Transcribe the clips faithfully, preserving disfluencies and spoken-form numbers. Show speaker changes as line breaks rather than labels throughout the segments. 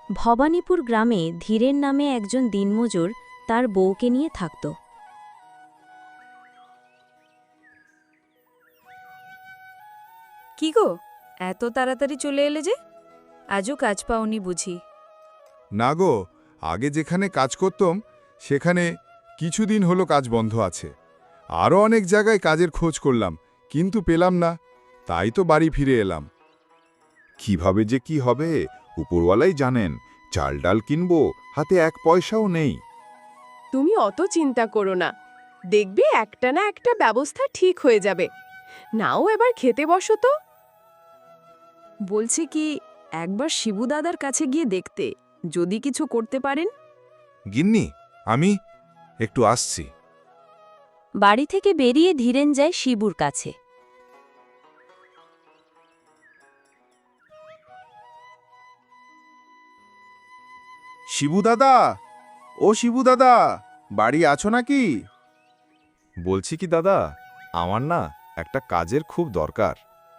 ভবানীপুর গ্রামে ধীরেন নামে একজন দিনমজুর তার বউকে নিয়ে থাকত।
কি গো, এত তাড়াতাড়ি চলে এলে যে? আজও কাজ পাওনি বুঝি?
না গো, আগে যেখানে কাজ করতাম সেখানে কিছুদিন হলো কাজ বন্ধ আছে। আরও অনেক জায়গায় কাজের খোঁজ করলাম, কিন্তু পেলাম না, তাই তো বাড়ি ফিরে এলাম।
কিভাবে যে কি হবে উপরওয়ালাই জানেন। চাল ডাল কিনবো, হাতে এক পয়সাও নেই।
তুমি অত চিন্তা করো না, দেখবে একটা না একটা ব্যবস্থা ঠিক হয়ে যাবে। নাও এবার খেতে বসো তো।
বলছি কি, একবার শিবু দাদার কাছে গিয়ে দেখতে, যদি কিছু করতে পারেন।
গিন্নি, আমি একটু আসছি।
বাড়ি থেকে বেরিয়ে ধীরেন যায় শিবুর কাছে।
শিবু দাদা, ও শিবু দাদা, বাড়ি আছো নাকি?
বলছি কি দাদা, আমার না একটা কাজের খুব দরকার।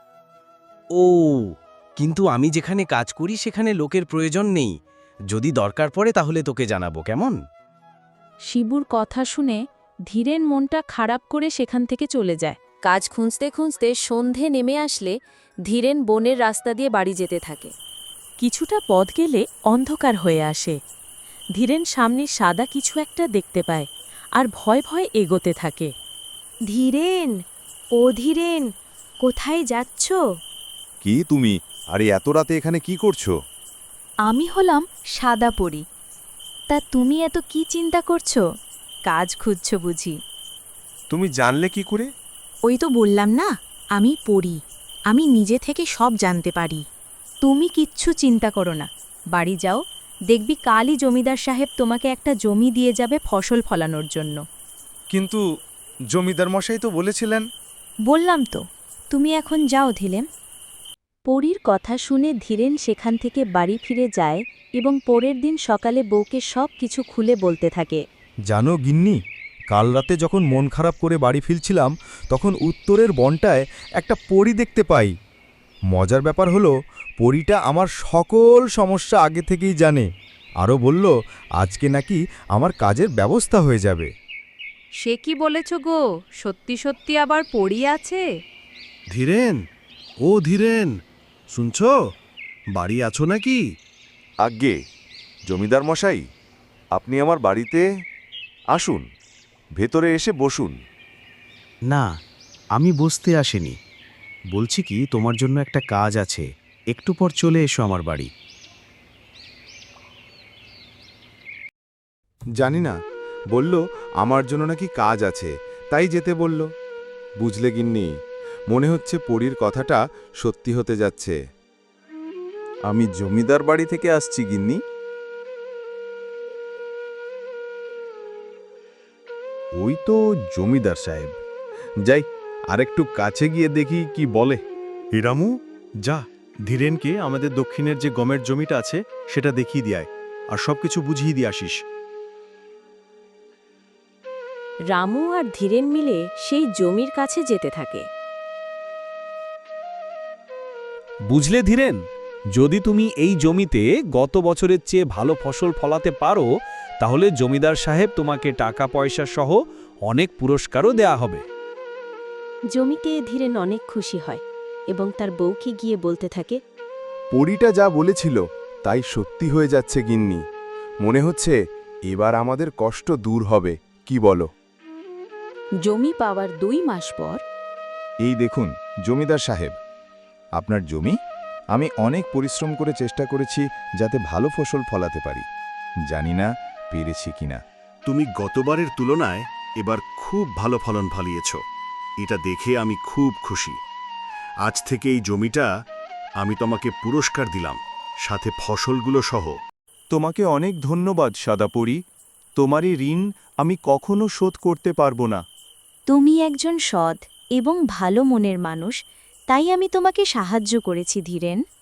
ও, কিন্তু আমি যেখানে কাজ করি সেখানে লোকের প্রয়োজন নেই। যদি দরকার পড়ে তাহলে তোকে জানাবো, কেমন?
শিবুর কথা শুনে ধীরেন মনটা খারাপ করে সেখান থেকে চলে যায়। কাজ খুঁজতে খুঁজতে সন্ধে নেমে আসলে ধীরেন বনের রাস্তা দিয়ে বাড়ি যেতে থাকে। কিছুটা পথ গেলে অন্ধকার হয়ে আসে। ধীরেন সামনে সাদা কিছু একটা দেখতে পায় আর ভয় ভয় এগোতে থাকে। ধীরেন, ও ধীরেন, কোথায় যাচ্ছ?
কি তুমি? আরে এত রাতে এখানে কি করছো?
আমি হলাম সাদা পরী। তা তুমি এত কি চিন্তা করছো? কাজ খুঁজছ বুঝি?
তুমি জানলে কি করে?
ওই তো বললাম না, আমি পড়ি। আমি নিজে থেকে সব জানতে পারি। তুমি কিচ্ছু চিন্তা করো না, বাড়ি যাও, দেখবি কালই জমিদার সাহেব তোমাকে একটা জমি দিয়ে যাবে ফসল ফলানোর জন্য।
কিন্তু জমিদার মশাই তো বলেছিলেন।
বললাম তো, তুমি এখন যাও ধীরেন। পরীর কথা শুনে ধীরেন সেখান থেকে বাড়ি ফিরে যায় এবং পরের দিন সকালে বউকে সব কিছু খুলে বলতে থাকে।
জানো গিন্নি, কাল রাতে যখন মন খারাপ করে বাড়ি ফিরছিলাম তখন উত্তরের বনটায় একটা পরী দেখতে পাই। মজার ব্যাপার হলো, পরীটা আমার সকল সমস্যা আগে থেকেই জানে। আরও বলল আজকে নাকি আমার কাজের ব্যবস্থা হয়ে যাবে।
সে কি বলেছ গো, সত্যি সত্যি আবার পড়ি আছে?
ধীরেন, ও ধীরেন, শুনছ? বাড়ি আছো নাকি?
আজ্ঞে, জমিদার মশাই, আপনি আমার বাড়িতে আসুন, ভেতরে এসে বসুন।
না, আমি বসতে আসিনি। বলছি কি, তোমার জন্য একটা কাজ আছে, একটু পর চলে এসো আমার বাড়ি।
জানি না, বলল আমার জন্য নাকি কাজ আছে, তাই যেতে বলল। বুঝলে গিন্নি, মনে হচ্ছে পরীর কথাটা সত্যি হতে যাচ্ছে।
আমি জমিদার বাড়ি থেকে আসছি গিন্নি।
ওই তো জমিদার সাহেব। যাই, আরেকটু কাছে গিয়ে দেখি কি বলে। হিরামু, যা, ধীরেনকে আমাদের দক্ষিণের যে গমের জমিটা আছে সেটা দেখিয়ে দিয়ায়, আর সবকিছু বুঝিয়ে দিয়ে আসিস।
রামু আর ধীরেন মিলে সেই জমির কাছে যেতে থাকে।
বুঝলে ধীরেন, যদি তুমি এই জমিতে গত বছরের চেয়ে ভালো ফসল ফলাতে পারো তাহলে জমিদার সাহেব তোমাকে টাকা পয়সা সহ অনেক পুরস্কারও দেয়া হবে।
জমিতে ধীরেন অনেক খুশি হয় এবং তার বউকে গিয়ে বলতে থাকে।
পরীটা যা বলেছিল তাই সত্যি হয়ে যাচ্ছে গিন্নি। মনে হচ্ছে এবার আমাদের কষ্ট দূর হবে, কি বলো?
জমি পাওয়ার দুই মাস পর।
এই দেখুন জমিদার সাহেব, আপনার জমি। আমি অনেক পরিশ্রম করে চেষ্টা করেছি যাতে ভালো ফসল ফলাতে পারি। জানি না পেরেছি কিনা।
তুমি গতবারের তুলনায় এবার খুব ভালো ফলন ফলিয়েছ, এটা দেখে আমি খুব খুশি। আজ থেকে এই জমিটা আমি তোমাকে পুরস্কার দিলাম, সাথে ফসলগুলো সহ।
তোমাকে অনেক ধন্যবাদ সাদাপরি। তোমারই ঋণ আমি কখনো শোধ করতে পারবো না।
তুমি একজন সৎ এবং ভালো মনের মানুষ, তাই আমি তোমাকে সাহায্য করেছি ধীরেন।